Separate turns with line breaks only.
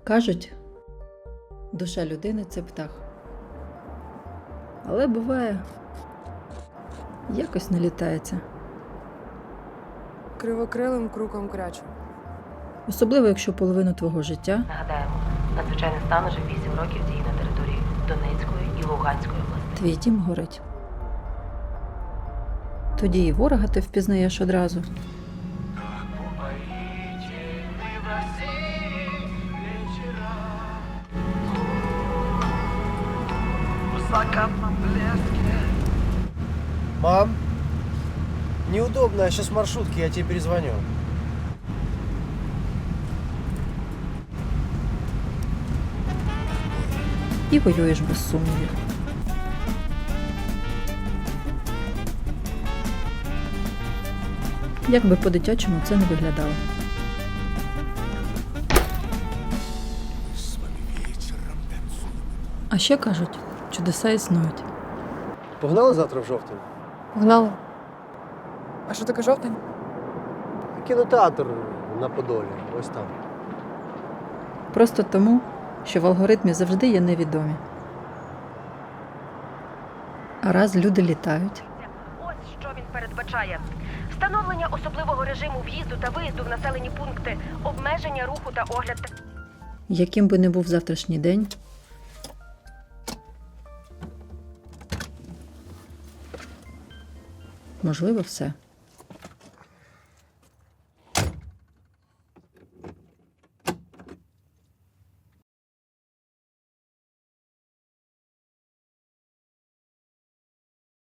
Кажуть, душа людини – це птах. Але буває, якось не літається.
Кривокрилим круком крячу.
Особливо, якщо половину твого життя
Нагадаємо, надзвичайний стан уже 8 років діє на території Донецької і Луганської областей.
твій дім горить. Тоді і ворога ти впізнаєш одразу.
Мам, неудобно, я сейчас в маршрутке, я тебе перезвоню.
І воюєш без сумнівів. Як би по-дитячому це не виглядало. А ще кажуть, чудеса існують.
Погнали завтра в жовтень?
Погнали. А що таке жовтень?
Кінотеатр на Подолі, ось там.
Просто тому, що в алгоритмі завжди є невідомі. А раз люди літають,
Ось що він передбачає. Встановлення особливого режиму в'їзду та виїзду в населені пункти, обмеження руху та огляд.
яким би не був завтрашній день, можливо все.